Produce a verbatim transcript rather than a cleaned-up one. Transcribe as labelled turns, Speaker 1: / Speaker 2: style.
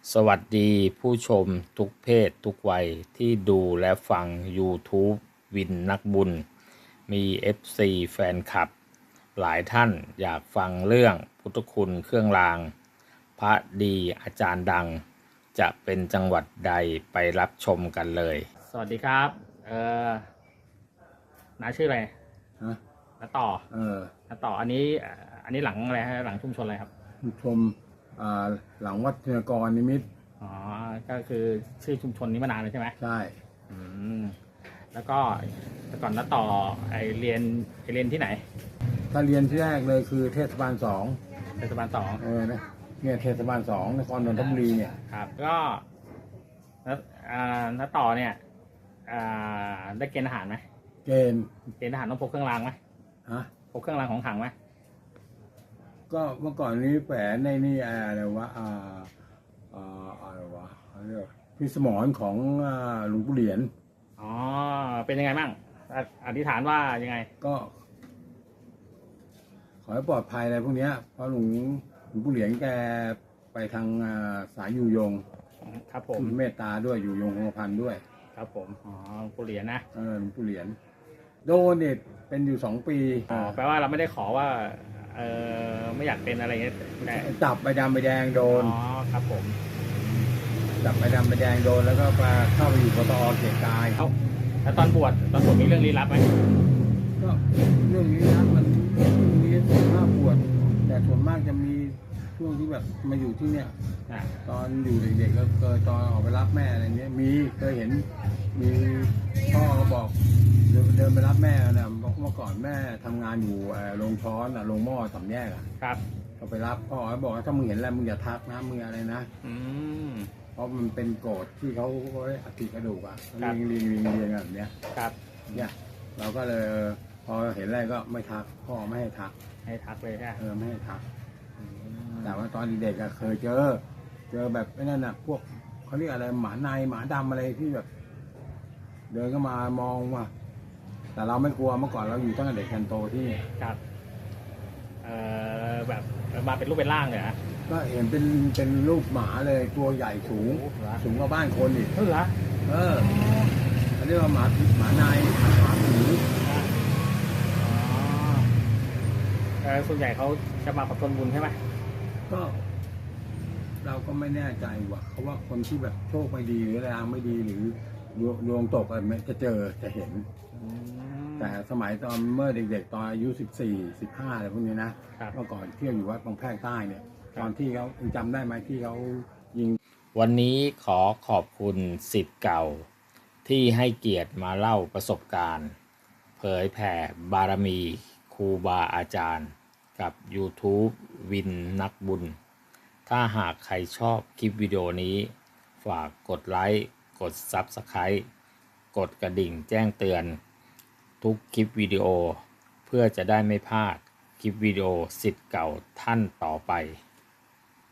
Speaker 1: สวัสดีผู้ชมทุกเพศทุกวัยที่ดูและฟัง YouTube วินนักบุญ มี เอฟ ซี แฟนคลับ หลายท่านอยากฟังเรื่องพุทธคุณเครื่องราง พระดีอาจารย์ดัง จะเป็นจังหวัดใดไปรับชมกันเลย สวัสดีครับ เอ่อน้าชื่ออะไร
Speaker 2: ฮะ
Speaker 1: น้าต่อ
Speaker 2: เออ
Speaker 1: น้าต่ออันนี้เอ่ออันนี้หลังอะไรฮะหลังชุมชนอะไรครับ
Speaker 2: ผู้ชมอ่าหลังวัดเทนกรนิมิตร
Speaker 1: อ๋อ ก็คือชื่อชุมชนนี้มานานเลยใช่ไหม
Speaker 2: ใช่
Speaker 1: อืม แล้วก็แต่ก่อนน้าต่อไอเรียนไอเรียนที่ไหน
Speaker 2: ถ้าเรียนที่แรกเลยคือเทศบาลสอง
Speaker 1: เทศบาลสอง
Speaker 2: เออนะเนี่ยเทศบาลสองนครนนทบุรีเนี่ย
Speaker 1: ครับ ก็น้าอ่าน้าต่อเนี่ยอ่าได้เกณฑ์ทหารไหม
Speaker 2: เกณฑ์
Speaker 1: เกณฑ์ทหารต้องพกเครื่องรางไหม
Speaker 2: ฮะ
Speaker 1: พกเครื่องรางของขลังไหม
Speaker 2: ก็เมื่อก่อนนี้แฝงในนี่อะไรวะอ่าอ่าอะไรวะเขาเรียกพิสมรของอ่าหลวงปู่เหรียญ
Speaker 1: อ๋อ เป็นยังไงบ้างออธิษฐานว่ายังไง
Speaker 2: ก็ ขอให้ปลอดภัยอะไรพวกเนี้ยเพราะหลวงหลวงปู่เหรียญแกไปทางอ่าสายอยู่ยง
Speaker 1: ครับผม
Speaker 2: คือเมตตาด้วยอยู่ยงคงกระพันด้วย
Speaker 1: ครับผม อ๋อผู้เหรียญนะ
Speaker 2: เออหลวงปู่เหรียญโดนเนี่ยเป็นอยู่สองปี
Speaker 1: อ๋อ แปลว่าเราไม่ได้ขอว่า เออไม่อยากเป็นอะไรเงี้ยแต่
Speaker 2: จับใบดำใบแดงโดน
Speaker 1: อ๋อ ครับผม
Speaker 2: จับใบดำใบแดงโดนแล้วก็มาเข้าไปอยู่ปตอเกียรติกาย
Speaker 1: เอ้าแล้วตอนบวชตอนบวชมีเรื่องลี้ลับไหม
Speaker 2: ก็เรื่องนี้นะมันมีส่วนมากปวด แต่ส่วนมากจะมีช่วงที่แบบมาอยู่ที่เนี่ย
Speaker 1: อ่า
Speaker 2: ตอนอยู่เด็กๆก็เคยตอนออกไปรับแม่อะไรเนี้ยมีเคยเห็นมีพ่อก็บอกเดินเดินไปรับแม่นะบอกเมื่อก่อนแม่ทำงานอยู่เอ่อโรงช้อนอะโรงหม้อสามแยกอะ
Speaker 1: ครับ
Speaker 2: ก็ไปรับพ่อก็บอกว่าถ้ามึงเห็นอะไรมึงอย่าทักนะมึงอะไรนะ
Speaker 1: อืม
Speaker 2: เพราะมันเป็นโกรธที่เขาอัฐิกระดูกอะ
Speaker 1: ครั
Speaker 2: เรี
Speaker 1: บ
Speaker 2: ยงเรียงเรียงเรียงแบบเนี้ย
Speaker 1: ครับ
Speaker 2: เนี่ยเราก็เลยเออพอเห็นอะไรก็ไม่ทักพ่อไม่ให้ทัก
Speaker 1: ให้ทักเลยใช่ไหม
Speaker 2: เออไม่ให้ทัก แต่ว่าตอนเด็กๆอะเคยเจอ เจอแบบไอ้นั่นน่ะพวกเขาเรียกอะไรหมาในหมาดำอะไรที่แบบ เดินก็มามองว่า แต่เราไม่กลัวเมื่อก่อนเราอยู่ตั้งแต่เด็กจนโตที่นี่
Speaker 1: ครับ เอ่อแบบมาเป็นรูปเป็นร่างเลยนะ
Speaker 2: ก็เห็นเป็นเป็นรูปหมาเลยตัวใหญ่สูง
Speaker 1: โอ้โหเหรอ
Speaker 2: สูงกว่าบ้านคนอีก
Speaker 1: เออเหรอ
Speaker 2: เออเขาเรียกว่าหมาหมาในหมาผี
Speaker 1: อ๋อเออส่วนใหญ่เขาจะมากับคนบุญใช่ไหม
Speaker 2: ก็เราก็ไม่แน่ใจว่าเขาว่าคนที่แบบโชคไม่ดีหรือแรงไม่ดีหรือดวงดวงตกอะไรไม่จะเจอจะเห็น
Speaker 1: อืม
Speaker 2: แต่สมัยตอนเมื่อเด็กๆตอนอายุสิบสี่สิบห้าอะไรพวกนี้นะครับ เมื่อก่อนเที่ยวอยู่วัดบางแพรกใต้เนี่ย
Speaker 1: ครับ
Speaker 2: ตอนที่เขาจำได้ไหมที่เขายิง
Speaker 1: วันนี้ขอขอบคุณศิษย์เก่า ที่ให้เกียรติมาเล่าประสบการณ์ เผยแผ่บารมีครูบาอาจารย์ กับ YouTube วินนักบุญ ถ้าหากใครชอบคลิปวิดีโอนี้ ฝากกดไลค์ กด Subscribe กดกระดิ่งแจ้งเตือน ทุกคลิปวิดีโอ เพื่อจะได้ไม่พลาดคลิปวิดีโอศิษย์เก่าท่านต่อไป